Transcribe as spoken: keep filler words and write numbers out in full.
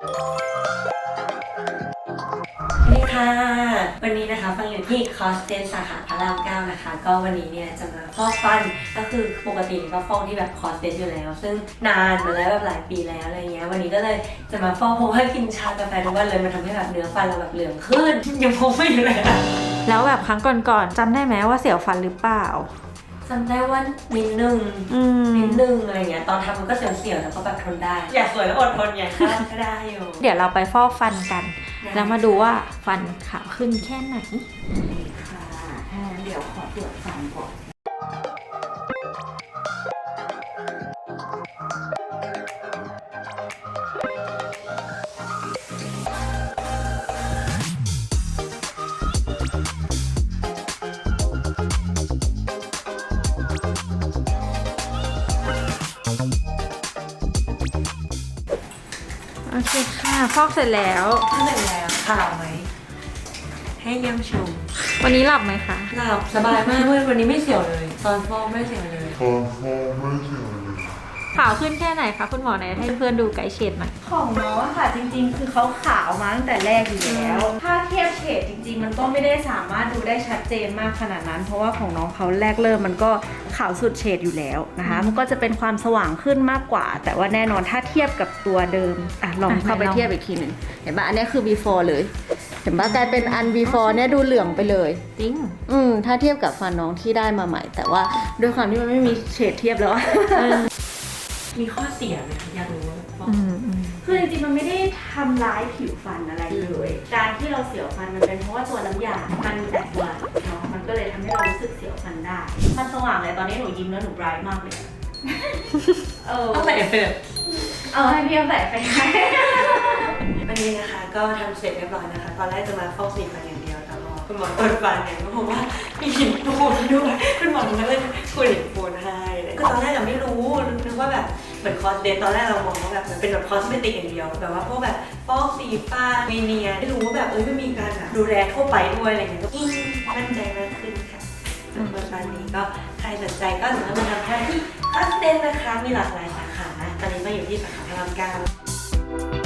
นี่ค่ะวันนี้นะคะฟังอยู่ที่คอสเทนสาขาพระรามเก้านะคะก็วันนี้เนี่ยจะมาฟอกฟันก็คือปกติก็ฟอกที่แบบคอสเทนอยู่แล้วซึ่งนานมาแล้วแบบหลายปีแล้วอะไรเงี้ยวันนี้ก็เลยจะมาฟอกเพราะว่ากินชากาแฟทุกวันเลยมันทำให้แบบเนื้อฟันเราแบบเหลืองขึ้นยังพกไม่อยู่เลยอะแล้วแบบครั้งก่อนๆจำได้ไหมว่าเสียวฟันหรือเปล่าจำได้ว่านิดนึงนิดนึงอะไรเงี้ยตอนทำมันก็เสียวๆแต่ก็แบบทนได้อยากสวยแล้วอดทนไงก็ได้อยู่เดี๋ยวเราไปฟอกฟันกันแล้วมาดูว่าฟันขาวขึ้นแค่ไหนค่ะถ้างั้นเดี๋ยวขอตรวจฟันก่อนโอเคค่ะฟอกเสร็จแล้วถ้าเสร็จแล้วขาวไหมให้เยี่ยมชมวันนี้หลับไหมคะหลับสบายมากเลยวันนี้ไม่เสียวเลยตอนฟอกไม่เสียวเลยตอนฟอกไม่เสียวเลยขาวขึ้นแค่ไหนคะคุณหมอไหนให้เพื่อนดูไกด์เฉดหน่อยของน้องค่ะจริงๆคือเขาขาวมาตั้งแต่แรกอยู่แล้วถ้าเทียบเฉดจริงๆมันก็ไม่ได้สามารถดูได้ชัดเจนมากขนาดนั้นเพราะว่าของน้องเขาแรกเริ่มมันก็ขาวสุดเฉดอยู่แล้วนะคะมันก็จะเป็นความสว่างขึ้นมากกว่าแต่ว่าแน่นอนถ้าเทียบกับตัวเดิมอ่ะลองเข้าไปเทียบอีกทีหนึ่งเห็นปะอันนี้คือ before เลยเห็นปะกลายเป็นอัน before เนี่ยดูเหลืองไปเลยจริงอืมถ้าเทียบกับฟันน้องที่ได้มาใหม่แต่ว่าด้วยความที่มันไม่มีเฉดเทียบแล้วมีข้อเสียไหมอยากรู้คือจริงๆมันไม่ได้ทำร้ายผิวฟันอะไรเลยการที่เราเสียวฟันมันเป็นเพราะว่าตัวน้ำยา มันแตกตัวเนาะมันก็เลยทำให้เรารู้สึกเสียวฟันได้มันสว่างเลยตอนนี้หนูยิ้มแล้วหนูไบรท์มากเลยเออต้องใส่เอฟเฟกต์เออให้พี่เอาใส่ไปให้วันนี้นะคะก็ทำเสร็จเรียบร้อยนะคะตอนแรกจะมาฟอกสีฟันอย่างเดียวแต่พอคุณหมอเปิดฟันเนี่ยก็พบว่ามีหินปูนด้วยคุณหมอก็เลยคุยหินปูนให้คือตอนแรกเราไม่รู้นึกว่าแบบเหมือนคอสเดนตอนแรกเรามองว่าแบบมันเป็นแบบคอสเมติกอย่างเดียวแบบว่าพวกแบบฟอกสีฟันมีเนียไม่รู้ว่าแบบเอ้ยไม่มีการแบบดูแลทั่วไปด้วยอะไรเงี้ยก็ยิ่งมั่นใจมากขึ้นค่ะสำหรับวันนี้ก็ใครสนใจก็สามารถมาทำได้ที่คอสเดนนะคะมีหลากหลายสาขาตอนนี้มาอยู่ที่สาขาพระรามเก้า